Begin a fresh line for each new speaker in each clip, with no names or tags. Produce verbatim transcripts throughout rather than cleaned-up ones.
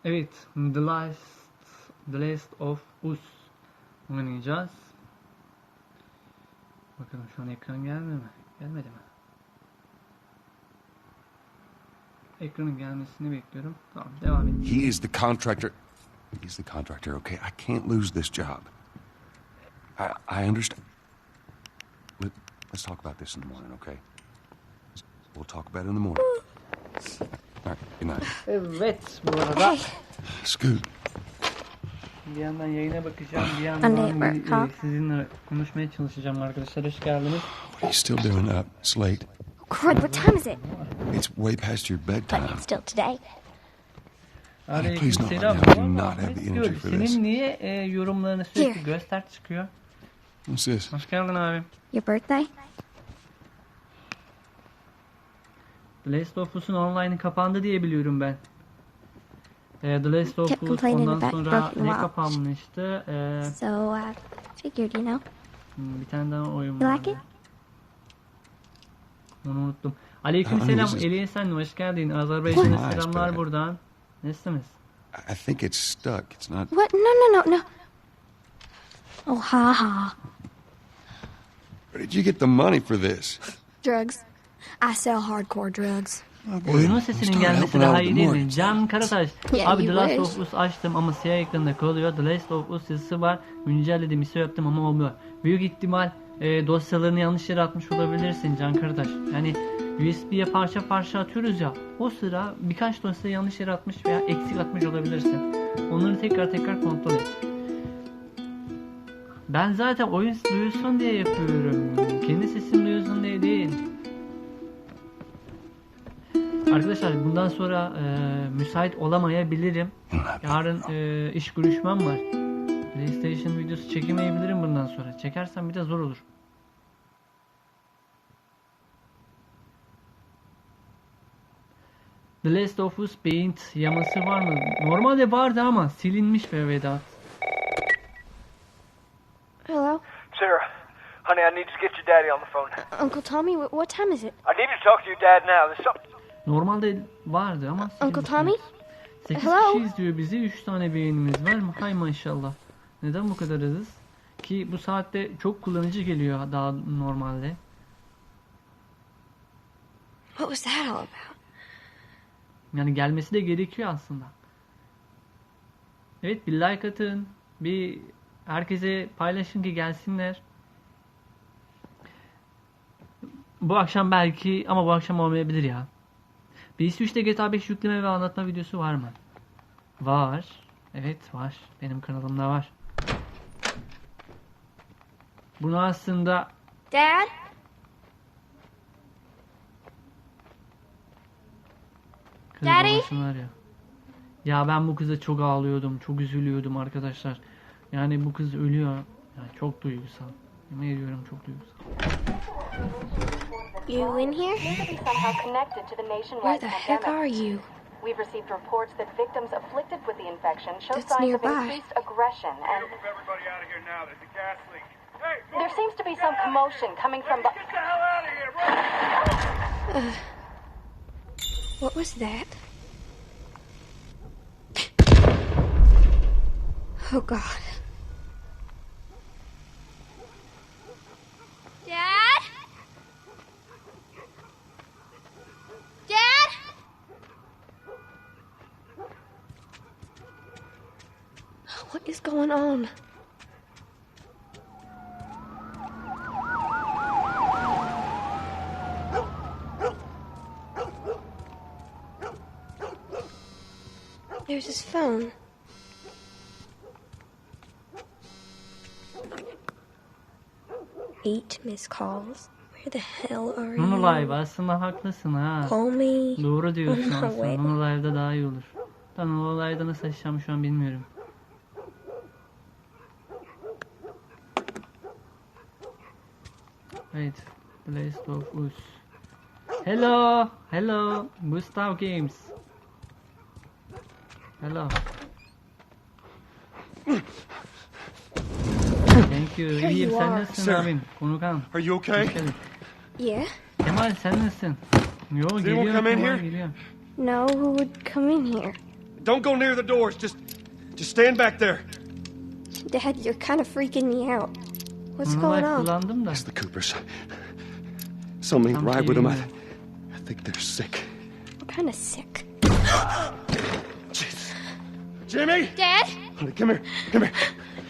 Evet, The Last, The Last of Us oynayacağız. Bakalım şu an ekran geldi mi? Gelmedi mi? Ekranın gelmesini bekliyorum. Tamam, devam edelim.
He is the contractor. He's the contractor, okay? I can't lose this job. I, I understand. Let, let's talk about this in the morning, okay? We'll talk about it in the morning. All right, good night.
Evet, bu arada
Scoot.
bir yandan yayına bakacağım, bir yandan e, sizinle konuşmaya çalışacağım arkadaşlar. Hoş geldiniz.
What are you still doing up? It's late.
Crud, what time is it?
It's way past your bedtime.
But it's still today.
Honey, please don't let
Selam.
me. I do not have the energy for this.
Senin niye e, yorumlarını sürekli göster çıkıyor?
What's this?
Hoş geldin abi.
Your birthday?
The Last of Us'un online'ı kapandı diye biliyorum ben. E, The Last of
Kept
Us
complaining
ondan
about
sonra
broken
ne
watch.
kapanmıştı? E,
So, uh, figured, you know.
bir tane daha oyun
You
var.
like it?
Onu unuttum. Aleykümselam
Aa,
Eliye sen hoş geldin. Azerbaycan'a
Nice,
selamlar
but-
buradan. Nasılsınız?
I I think it's stuck. It's not.
What? No, no, no, no. Oh, ha ha.
Where did you get the money for this?
Drugs. I sell hardcore drugs.
Oyunun sesinin gelmesi daha iyi değil mi? Can Karataş.
Yeah,
Abi The
you
Last
wish.
of Us açtım ama siyah ekranda kalıyor. The Last of Us yazısı var. Güncelledim, iso yaptım ama olmuyor. Büyük ihtimal e, dosyalarını yanlış yere atmış olabilirsin Can Karataş. Yani U S B'ye parça parça atıyoruz ya. O sıra birkaç dosya yanlış yere atmış veya eksik atmış olabilirsin. Onları tekrar tekrar kontrol et. Ben zaten oyun duyulsun diye yapıyorum. Kendi sesim duyulsun diye değil. Arkadaşlar bundan sonra e, müsait olamayabilirim. Yarın e, iş görüşmem var. PlayStation videosu çekemeyebilirim bundan sonra. Çekersem bir de zor olur. The Last of Us Paint yaması var mı? Normalde vardı ama silinmiş be Vedat.
Hello?
Sarah, honey, I need to get your daddy on the phone.
Uncle Tommy, wh- what time is it?
I need to talk to your dad now. There's something...
Normalde vardı ama silinmiş.
Uncle Tommy?
sekiz
Hello?
kişi izliyor bizi. üç tane beğenimiz var mı? Hay maşallah. Neden bu kadar azız? Ki bu saatte çok kullanıcı geliyor daha normalde.
What was that all about?
Yani gelmesi de gerekiyor aslında. Evet, bir like atın. Bir herkese paylaşın ki gelsinler. Bu akşam belki ama bu akşam olmayabilir ya. P S üçte G T A beş yükleme ve anlatma videosu var mı? Var. Evet var. Benim kanalımda var. Bunu aslında
Dad?
kız
Daddy?
babası var ya. Ya ben bu kıza çok ağlıyordum. Çok üzülüyordum arkadaşlar. Yani bu kız ölüyor. Yani çok duygusal. Yemin ediyorum çok duygusal.
You in here?
Somehow connected to the
Where
nationwide
the heck are
pandemic.
you?
We've received reports that victims afflicted with the infection show
That's
signs
nearby.
of increased aggression, and
Move everybody out of here now. There's a gas leak. Hey, move!
there seems to be some commotion coming from the...
Get the hell out of here! Run!
What was that? Oh, God. Dad? Dad? What is going on? There's his phone. Eight missed calls. Where the hell are
Nono
you?
Live aslında haklısın ha.
Call me.
Doğru diyorsun
No
aslında.
way.
Nono Live'da daha iyi olur. Da Nono Live'da nasıl açacağım şu an bilmiyorum. Evet. The Last of Us. Hello. Hello. Gustav Games. Hello. Thank you.
Here
İyiyim
you
sen
are.
nasılsın
Sir.
abim? Konukan.
Are you okay?
Hoş geldin.
Yeah?
Kemal sen nasılsın? Yo
anyone
geliyor
come in
Kemal
here?
geliyor.
No, who would come in here?
Don't go near the doors. Just, just stand back there.
Dad, you're kind of freaking me out. What's
Bunu
going
ben
on?
kullandım da.
It's the Coopers. Something ain't
Tam
right with them. I,
şeyim
I think they're sick.
I'm kind of sick.
Jesus. Jimmy!
Dad?
Honey, come here. Come here.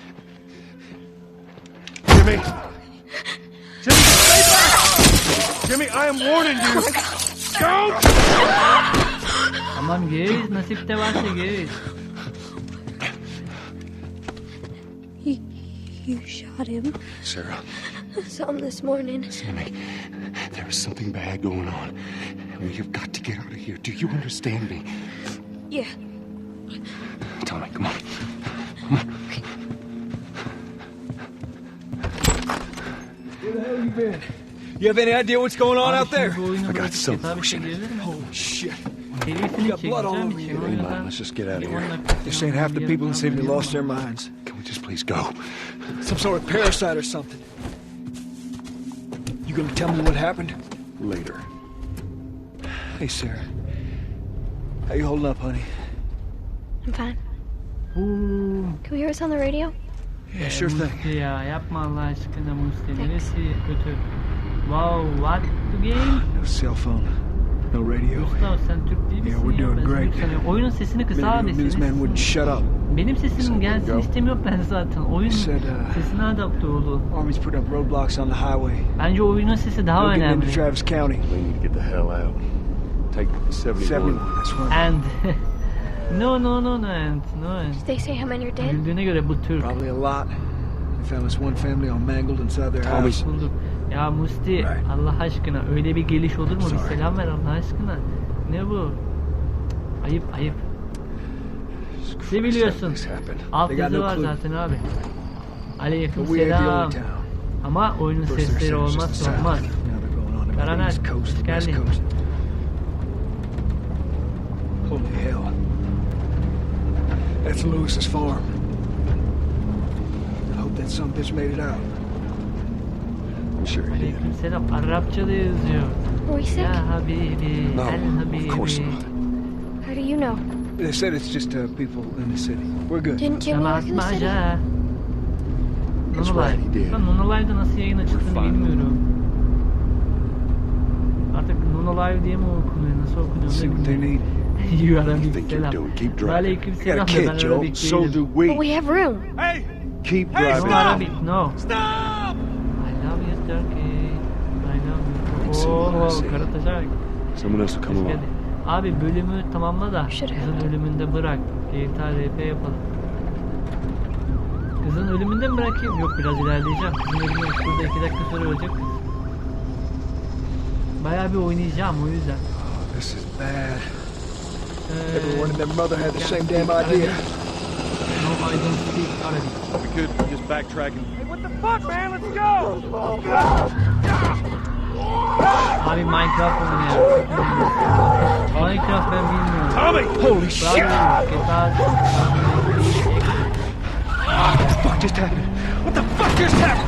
Jimmy! Jimmy, stay back! Jimmy, I am warning you. Don't!
Tamam geliyiz. Nasipte varsa geliyiz.
You, you shot him.
Sarah,
I saw him this morning.
Jimmy, there is something bad going on. You've got to get out of here. Do you understand me?
Yeah.
Tommy, come on.
Where the hell you been? You have any idea what's going on
Abi
out there?
şimdi bu oyunu
I got
bırakıp
some
hesaba bir şey
motion.
gelir mi?
Holy shit.
Serisini
got blood all
çekeceğim
over
için
you.
o
Hey,
yüzden...
man, let's just get out of
bir on
here.
dakika
This ain't half the people in the city lost their minds.
Can we just please go?
Some sort of parasite or something. You gonna tell me what happened?
Later.
Hey, Sarah. How you holding up, honey?
I'm fine.
Boom.
Can we hear us on the radio?
Yeah, sure thing.
Musti ya yapma Allah aşkına Musti. Neresi kötü? Wow, what the game?
No cell phone. No radio.
Mustafa sen Türk değil misin
Yeah, we're
ya?
doing
Ben seni
great.
Türk sanıyorum. Oyunun sesini kısa
Maybe
abi.
the newsman
senin
wouldn't
sesin-
shut up.
Benim sesim gelsin
go.
istemiyor ben zaten. Oyun
He said, uh,
sesine adapte oldu.
Army's put up roadblocks on the highway.
Bence oyunun sesi daha
No getting
önemli.
into Travis County.
We need to get the hell out. Take seventy-one.
seventy-one, that's one.
And no no no no and no and.
Did they say how many are dead?
Güldüğüne göre bu Türk.
Probably a lot. They found this one family all mangled inside their
Tommy.
house.
Bulduk. Ya Musti
Right.
Allah aşkına öyle bir geliş olur mu? Bir
Sorry.
selam ver Allah aşkına. Ne bu? Ayıp ayıp.
Jesus
Ne
Christ,
biliyorsun?
how this happened?
Alt
They got
yazı
no
var
clue.
zaten abi. Aleyküm
But we ain't the
selam.
only town.
Ama oyunun
First they
sesleri
said it was just
olmazsa
the
olmaz.
south. Now they're going on to the
Karaner,
east coast,
hoş
the west
geldin.
coast. Holy hell. That's Lewis's farm. I hope that some bitch made it out.
I'm sure he did.
Aleyküm selam. Arapça da yazıyor.
Are we sick?
Ya Habibi.
No,
El Habibi.
of course not.
How do you know?
They said it's just uh, people in the city. We're good.
Didn't Jimmy work in the city?
Maca.
That's
Nonolive.
right, he did.
Ben Nonolive'da nasıl yayın açıldığını
We're fine.
bilmiyorum. Artık Nonolive diye mi okunuyor? Nasıl okunuyor?
See what they
bilmiyorum.
need.
You
What do you
Arabik
think you're
selam.
doing? Keep driving.
Aleyküm
I got
selam
a
da
kid,
ben
Joe.
Arabik
So
değilim.
do
But
we.
we have room.
Hey!
Keep
Hey,
No
driving.
stop!
Arabik, no.
Stop!
I love you Turkey. I love you.
See what I
Oo,
see.
Karataşak.
Someone else will come
Hoş
along.
geldin. Abi bölümü tamamla da
Should have.
kızın ölümünde bırak. G T A R P yapalım. Kızın ölümünde mi bırakayım? Yok biraz ilerleyeceğim. Kızın ölümü şurada iki dakika sonra ölecek kız. Bayağı bir oynayacağım o yüzden.
Oh, this is bad.
Ee,
Everyone and their mother had the
can't
same
speak
damn
Arabic.
idea.
No, I don't speak Arabic.
We could just backtrack and
Hey, what the fuck, man? Let's go!
Abi Minecraft oynuyor. Minecraft ben bilmiyorum.
Tommy! Holy shit!
Bravo, G T A.
What the fuck just happened? What the fuck just happened?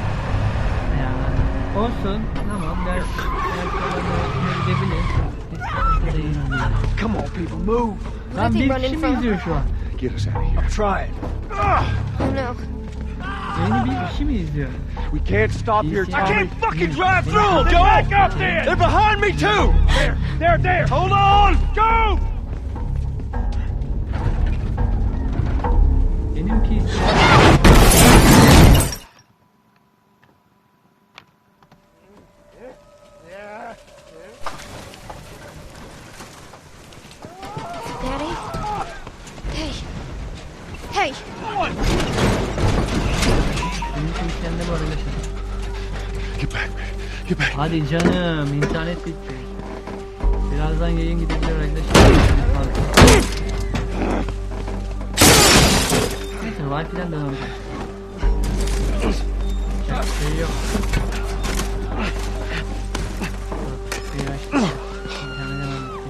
Yani, olsun. Tamam ders. Ders olanı gidebilir. Hiç sıkıntı değil.
Come on, people, move!
Lan
Nothing
bir
running
kişi mi
from.
izliyor şu an?
Get us out of here.
I'm trying.
Oh no.
Yeni bir kişi mi izliyor?
We can't stop here,
I
Tommy.
can't
fucking drive through them, Joe! Back up there! They're behind me, too! There, there, there! Hold on! Go!
Benimki izliyor.
Daddy? Hey. Hey.
Benimki kendi bu arada.
Get back, man. Get back.
Hadi canım internet bitti. Birazdan yayın gidebilir arkadaşlar. Neyse Wi-Fi'den devam edelim. Yapacak bir şey yok. Bir açtım. İnternetten aldık.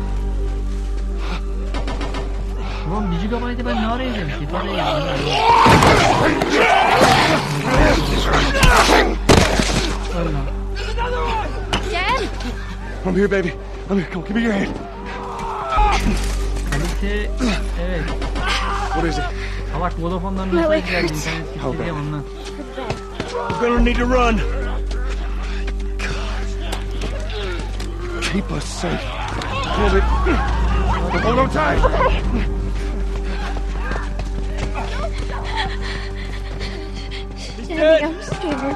Ulan bir gigabaytı ben ne arayacağım ki? Parayı yedim. Öyle.
Dad?
I'm here, baby. I'm here. Come on, give me your hand.
İnterneti evet.
What is it?
Salak Vodafone'dan
My
mesaj
leg
geldi.
hurts.
İnternet gitti
Okay.
diye ondan.
We're gonna need to run.
Keep us safe. Hold it. Hold on tight.
Daddy, I'm scared.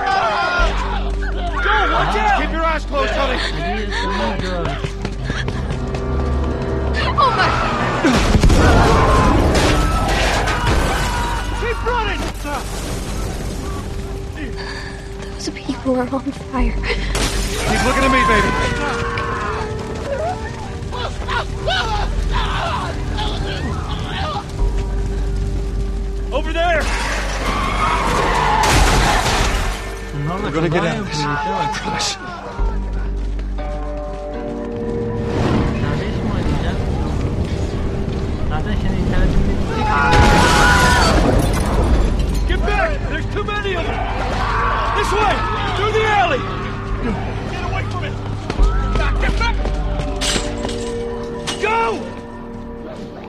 Watch out!
Keep your eyes closed, honey.
Hadi sonu gör.
Keep running!
Those people are on fire.
Keep looking at me, baby.
Over there!
Bunlarla
We're gonna get
kaza
out of this.
yapıyor, işe bak.
Promise.
Serbest mi oynayacak? Zaten şimdi internetimde gidecek.
Get back! There's too many of them! This way! Through the alley!